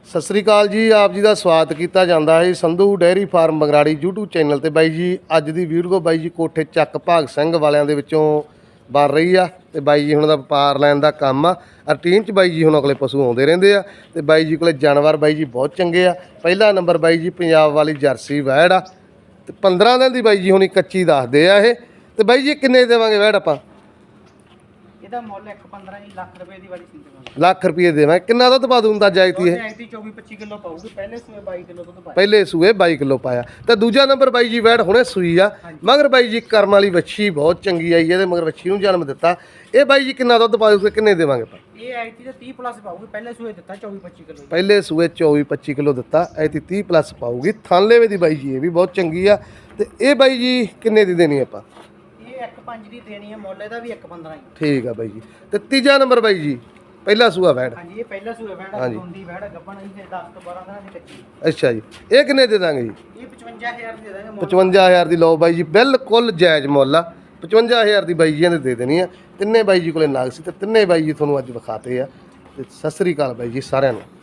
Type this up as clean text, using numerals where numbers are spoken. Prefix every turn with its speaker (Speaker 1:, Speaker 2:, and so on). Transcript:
Speaker 1: ਸਤਿ ਸ੍ਰੀ ਅਕਾਲ ਜੀ। ਆਪ ਜੀ ਦਾ ਸਵਾਗਤ ਕੀਤਾ ਜਾਂਦਾ ਹੈ Sandhu dairy farm Bagrari YouTube channel ਤੇ। ਬਾਈ ਜੀ ਅੱਜ ਦੀ ਵੀਡੀਓ ਬਾਈ ਜੀ ਕੋਠੇ ਚੱਕ ਭਾਗ ਸਿੰਘ ਵਾਲਿਆਂ ਦੇ ਵਿੱਚੋਂ ਬਣ ਰਹੀ ਆ ਤੇ ਬਾਈ ਜੀ ਹੁਣ ਦਾ ਵਪਾਰ ਲੈਣ ਦਾ ਕੰਮ ਆ। ਰੂਟੀਨ 'ਚ ਬਾਈ ਜੀ ਹੁਣ ਅਗਲੇ ਪਸ਼ੂ ਆਉਂਦੇ ਰਹਿੰਦੇ ਆ ਤੇ ਬਾਈ ਜੀ ਕੋਲੇ ਜਾਨਵਰ ਬਾਈ ਜੀ ਬਹੁਤ ਚੰਗੇ ਆ। ਪਹਿਲਾ ਨੰਬਰ ਬਾਈ ਜੀ ਪੰਜਾਬ ਵਾਲੀ ਜਰਸੀ ਵੈੜ ਆ ਤੇ 15 ਦਿਨ ਦੀ ਬਾਈ ਜੀ ਹੁਣੀ ਕੱਚੀ ਦੱਸਦੇ ਆ ਇਹ। ਤੇ ਬਾਈ ਜੀ ਕਿੰਨੇ ਦੇਵਾਂਗੇ ਵੈੜ ਆਪਾਂ?
Speaker 2: ਇਹਦਾ ਮੁੱਲ 1.15 ਲੱਖ ਰੁਪਏ ਦੀ ਵਾਲੀ ਸੀ ਦੇਵਾਂਗੇ।
Speaker 1: ਲੱਖ ਰੁਪਏ ਦੇਵਾਂ। ਕਿੰਨਾ ਦੁੱਧ ਪਾ ਦੂੰਦਾ ਜਾਇਤੀ ਇਹ?
Speaker 2: 24-25 ਕਿਲੋ ਪਾਊਗੀ। ਪਹਿਲੇ ਸੂਏ 22 ਕਿਲੋ ਦੁੱਧ ਪਾਇਆ।
Speaker 1: ਪਹਿਲੇ ਸੂਏ 22 ਕਿਲੋ ਪਾਇਆ ਤੇ ਦੂਜਾ ਨੰਬਰ ਬਾਈ ਜੀ ਵੈੜ ਹੁਣੇ ਸੂਈ ਆ। ਮਗਰ ਬਾਈ ਜੀ ਕਰਮ ਵਾਲੀ ਵੱਛੀ ਬਹੁਤ ਚੰਗੀ ਆਈ ਇਹਦੇ ਮਗਰ ਵੱਛੀ ਨੂੰ ਜਨਮ ਦਿੱਤਾ। ਇਹ ਬਾਈ ਜੀ ਕਿੰਨਾ ਦੁੱਧ ਪਾਊਗੇ? ਕਿੰਨੇ ਦੇਵਾਂਗੇ ਆਪਾਂ?
Speaker 2: ਇਹ ਆਈਤੀ ਤੇ 30 ਪਲੱਸ ਪਾਊਗੀ। ਪਹਿਲੇ ਸੂਏ ਦਿੱਤਾ 24-25 ਕਿਲੋ।
Speaker 1: ਪਹਿਲੇ ਸੂਏ 24-25 ਕਿਲੋ ਦਿੱਤਾ। ਐਤੀ 30 ਪਲੱਸ ਪਾਊਗੀ। ਥਾਨਲੇਵੇ ਦੀ ਬਾਈ ਜੀ ਇਹ ਵੀ ਬਹੁਤ ਚੰਗੀ ਆ। ਤੇ ਇਹ ਬਾਈ ਜੀ ਕਿੰਨੇ ਦੀ ਦੇਣੀ ਆਪਾਂ?
Speaker 2: ਇਹ 1.5 ਦੀ ਦੇਣੀ ਹੈ। ਮੁੱਲ ਇਹਦਾ ਵੀ 1.15 ਹੀ।
Speaker 1: ਠੀਕ ਆ ਬਾਈ ਜੀ। ਤੇ ਤੀਜਾ ਨੰਬਰ ਬਾਈ ਜੀ ਪਹਿਲਾ ਸੂਆ ਵੈੜ।
Speaker 2: ਹਾਂਜੀ ਇਹ ਪਹਿਲਾ ਸੂਆ ਵੈੜ ਹੁੰਦੀ ਵੈੜ ਗੱਬਣ ਹੀ 10 ਤੋਂ 12 ਦਿਨਾਂ ਦੀ ਕੱਚੀ।
Speaker 1: ਅੱਛਾ ਜੀ। ਇਹ ਕਿੰਨੇ ਦੇ ਦਾਂਗੇ ਜੀ?
Speaker 2: ਇਹ 55000 ਦੇ ਦਾਂਗੇ।
Speaker 1: 55000 ਦੀ ਲਓ ਬਾਈ ਜੀ, ਬਿਲਕੁਲ ਜਾਇਜ਼ ਮੁੱਲ ਆ। 55000 ਦੀ ਬਾਈ ਜੀ ਨੇ ਦੇ ਦੇਣੀ ਆ। ਤਿੰਨੇ ਬਾਈ ਜੀ ਕੋਲੇ ਨਾਗ ਸੀ ਤੇ ਤਿੰਨੇ ਬਾਈ ਜੀ ਤੁਹਾਨੂੰ ਅੱਜ ਵਿਖਾਤੇ ਆ। ਤੇ ਸਤਿ ਸ੍ਰੀ ਅਕਾਲ ਬਾਈ ਜੀ ਸਾਰਿਆਂ ਨੂੰ।